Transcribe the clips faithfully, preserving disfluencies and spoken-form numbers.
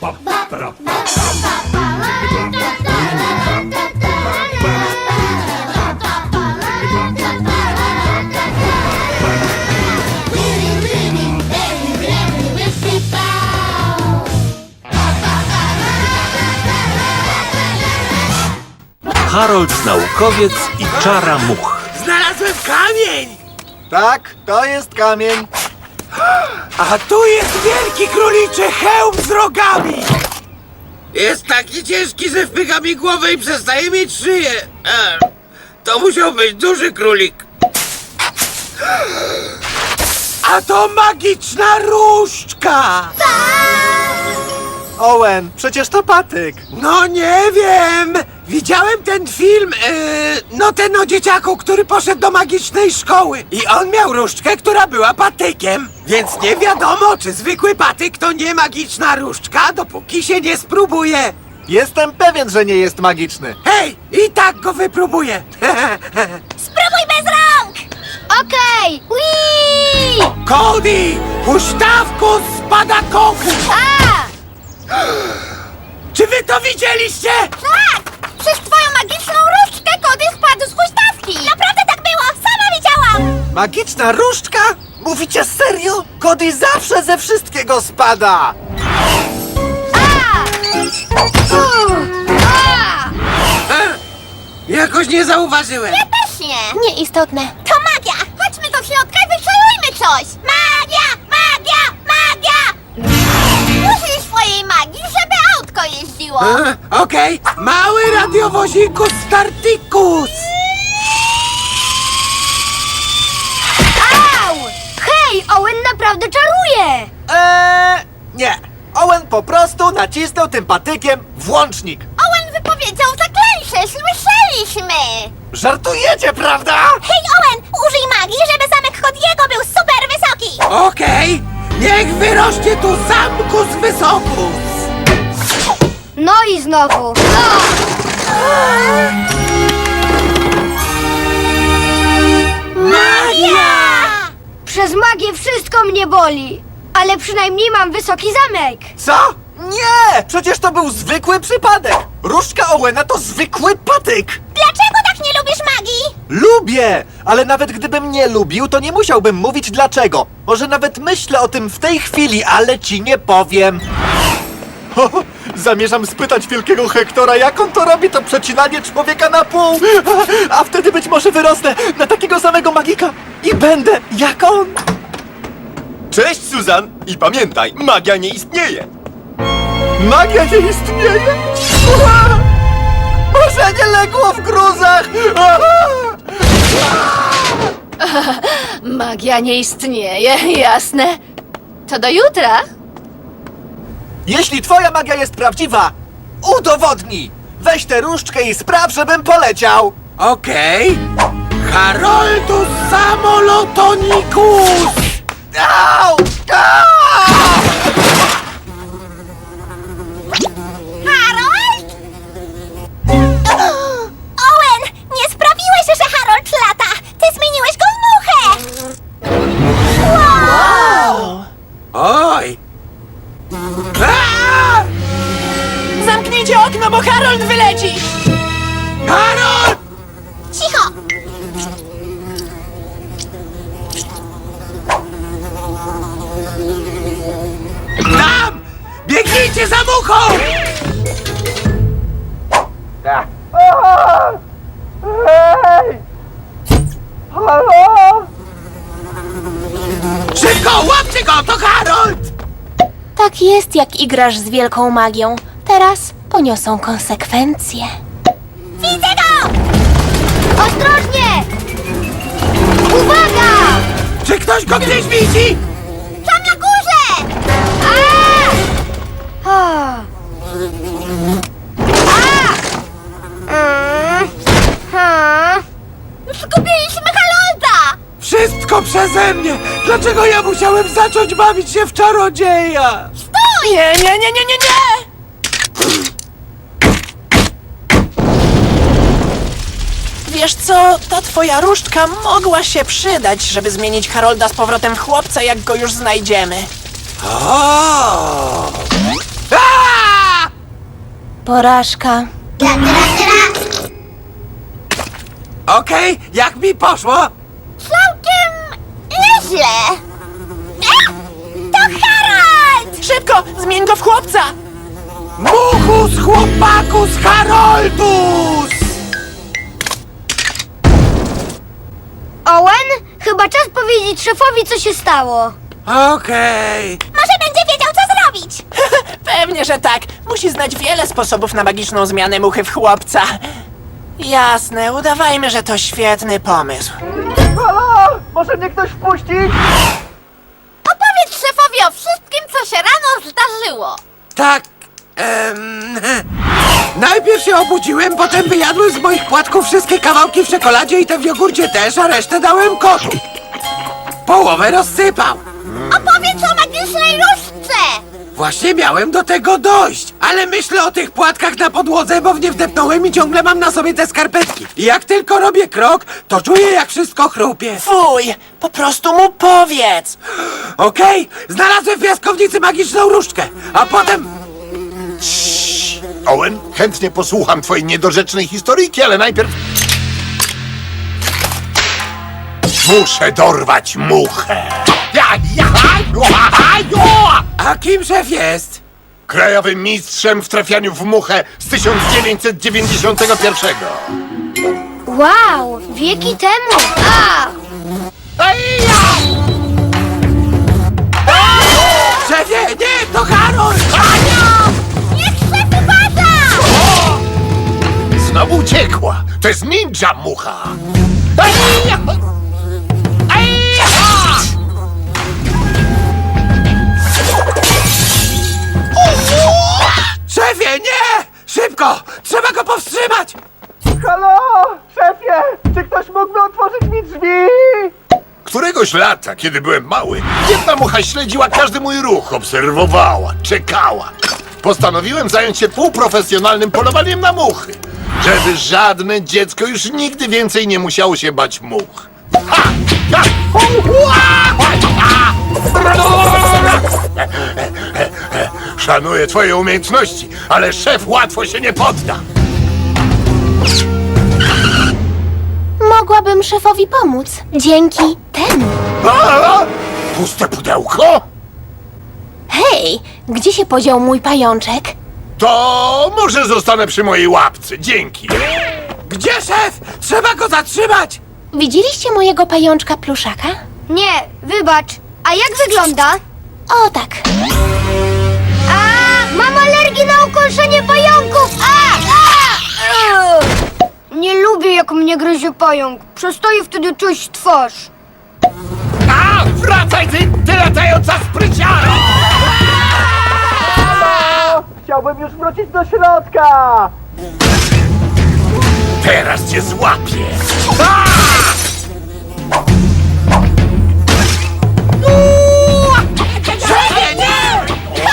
Harold naukowiec i czara much. Znalazłem kamień! Tak, to jest kamień. A tu jest wielki króliczy hełm z rogami! Jest taki ciężki, że wpycha mi głowę i przestaje mieć szyję. E, to musiał być duży królik. A to magiczna różdżka! Owen, przecież to patyk. No nie wiem! Widziałem ten film, yy, no ten o dzieciaku, który poszedł do magicznej szkoły. I on miał różdżkę, która była patykiem. Więc nie wiadomo, czy zwykły patyk to nie magiczna różdżka, dopóki się nie spróbuje. Jestem pewien, że nie jest magiczny. Hej, i tak go wypróbuję. Spróbuj bez rąk! Okej! Okay. Cody, huśtawku spada koku. A! Czy wy to widzieliście? Tak! Przez twoją magiczną różdżkę Cody spadł z huśtawki! Naprawdę tak było! Sama widziałam! Magiczna różdżka? Mówicie serio? Cody zawsze ze wszystkiego spada. A! U! A! E, jakoś nie zauważyłem. Ja też nie! Nieistotne. To magia! Chodźmy do środka i wyczarujmy coś! Magia! Magia! Magia! Użyj swojej magii, żeby autko jeździło! E, Okej, mały radiowozikus Startikus. Au! Hej, Owen naprawdę czaruje! Eee, nie. Owen po prostu nacisnął tym patykiem włącznik. Owen wypowiedział zaklęcie! Słyszeliśmy! Żartujecie, prawda? Hej, Owen! Użyj magii, żeby zamek Cody'ego był super wysoki! Okej, niech wyrośnie tu zamkus wysokus. No i znowu! Magia! Przez magię wszystko mnie boli! Ale przynajmniej mam wysoki zamek! Co? Nie! Przecież to był zwykły przypadek. Różdżka Owena to zwykły patyk. Dlaczego tak nie lubisz magii? Lubię! Ale nawet gdybym nie lubił, to nie musiałbym mówić dlaczego. Może nawet myślę o tym w tej chwili, ale ci nie powiem. Ho, ho, zamierzam spytać wielkiego Hektora, jak on to robi, to przecinanie człowieka na pół. A, a wtedy być może wyrosnę na takiego samego magika i będę jak on. Cześć, Susan! I pamiętaj, magia nie istnieje! Magia nie istnieje? Ua! Marzenie legło w gruzach! Aha! Magia nie istnieje, jasne. To do jutra. Jeśli twoja magia jest prawdziwa, udowodnij! Weź tę różdżkę i spraw, żebym poleciał! Okej, Haroldus Samolotonikus. Au! Au! Harold? Owen! Nie sprawiłeś, że Harold lata! Ty zmieniłeś go w muchę! Wow! Oj. A! Zamknijcie okno, bo Harold wyleci. Harold! Cicho! Tam! Biegnijcie za muchą! Hej! Halo? Szybko, łapcie go, to Harold! Tak jest, jak igrasz z wielką magią. Teraz poniosą konsekwencje. Widzę go! Ostrożnie! Uwaga! Czy ktoś go gdzieś widzi? Tam na górze! A! A! Mm. Ha. Zgubiliśmy Harolda! Wszystko przeze mnie! Dlaczego ja musiałem zacząć bawić się w czarodzieja? Stój! Nie, nie, nie, nie, nie, nie! Wiesz co, ta twoja różdżka mogła się przydać, żeby zmienić Harolda z powrotem w chłopca, jak go już znajdziemy. O! A! Porażka. Ra, ra, ra. Okej, jak mi poszło? Całkiem nieźle. A! To Harold! Szybko, zmień go w chłopca! Muchus chłopakus Haroldus! Owen, chyba czas powiedzieć szefowi, co się stało. Okej. Może będzie wiedział, co zrobić. Pewnie, że tak. Musi znać wiele sposobów na magiczną zmianę muchy w chłopca. Jasne, udawajmy, że to świetny pomysł. Halo! Może mnie ktoś wpuścić? Opowiedz szefowi o wszystkim, co się rano zdarzyło. Tak. Em, najpierw się obudziłem, potem wyjadłem z moich płatków wszystkie kawałki w czekoladzie i te w jogurcie też, a resztę dałem kotu. Połowę rozsypał. Opowiedz o magicznej różdżce. Właśnie miałem do tego dojść, ale myślę o tych płatkach na podłodze, bo w nie wdepnąłem i ciągle mam na sobie te skarpetki. I jak tylko robię krok, to czuję, jak wszystko chrupie. Fuj, po prostu mu powiedz. Okej, znalazłem w piaskownicy magiczną różdżkę, a potem... Owen, chętnie posłucham twojej niedorzecznej historyjki, ale najpierw... Muszę dorwać muchę. Ja, ja, ja, ja. A kim szef jest? Krajowym mistrzem w trafianiu w muchę z tysiąc dziewięćset dziewięćdziesiątego pierwszego. Wow, wieki temu. A! Szefie, nie, to Harold! Niech szef uważa! Znowu uciekła. To jest ninja mucha. Szefie, nie! Szybko! Trzeba go powstrzymać! Halo! Szefie! Czy ktoś mógłby otworzyć mi drzwi? Któregoś lata, kiedy byłem mały, jedna mucha śledziła każdy mój ruch, obserwowała, czekała. Postanowiłem zająć się półprofesjonalnym polowaniem na muchy, żeby żadne dziecko już nigdy więcej nie musiało się bać much. Ha! Ha! Ua! Ha! Szanuję twoje umiejętności, ale szef łatwo się nie podda. Mogłabym szefowi pomóc. Dzięki temu. A! Puste pudełko? Hej, gdzie się podział mój pajączek? To może zostanę przy mojej łapce. Dzięki. Gdzie szef? Trzeba go zatrzymać! Widzieliście mojego pajączka pluszaka? Nie, wybacz. A jak wygląda? O tak. A, mam alergię na ukąszenie pająków! A! A! Nie lubię, jak mnie gryzie pająk. Przestaję wtedy czuć twarz. A! Wracaj ty, ty latająca spryciaro! Chciałbym już wrócić do środka! Teraz cię złapię. A! Szefie, nie!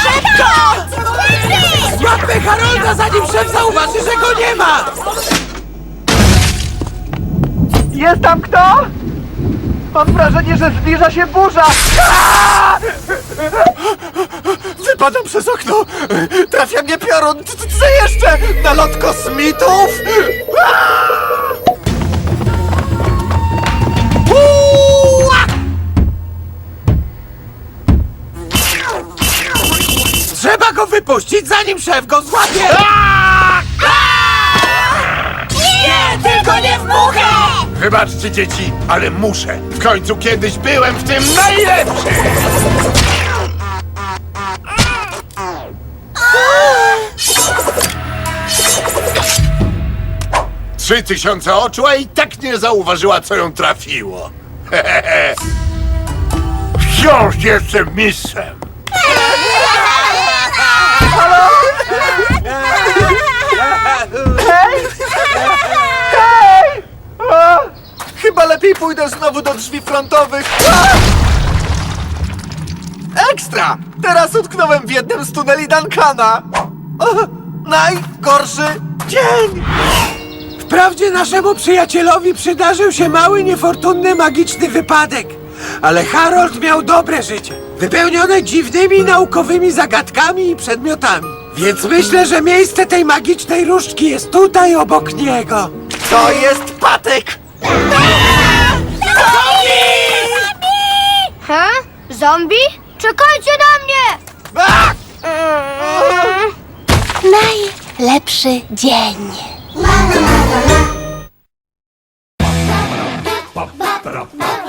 Złapmy Harolda, zanim szef zauważy, że go nie ma! Jest tam kto? Mam wrażenie, że zbliża się burza! Aaa! Wypadam przez okno! Trafia mnie piorun! C- Co jeszcze? Nalot kosmitów? Trzeba go wypuścić, zanim szef go złapie! Nie, tylko nie w muchę! Wybaczcie, dzieci, ale muszę. W końcu kiedyś byłem w tym najlepszy. Trzy tysiące oczu, a i tak nie zauważyła, co ją trafiło. Wciąż jestem mistrzem. Hej! Hej! A! Chyba lepiej pójdę znowu do drzwi frontowych. A! Ekstra! Teraz utknąłem w jednym z tuneli Duncana. O, najgorszy dzień! Wprawdzie naszemu przyjacielowi przydarzył się mały, niefortunny, magiczny wypadek. Ale Harold miał dobre życie, wypełnione dziwnymi naukowymi zagadkami i przedmiotami. Więc myślę, że miejsce tej magicznej różdżki jest tutaj obok niego. To jest patyk! Ha? Zombie? Czekajcie na mnie! Najlepszy dzień. Pa, para, pa,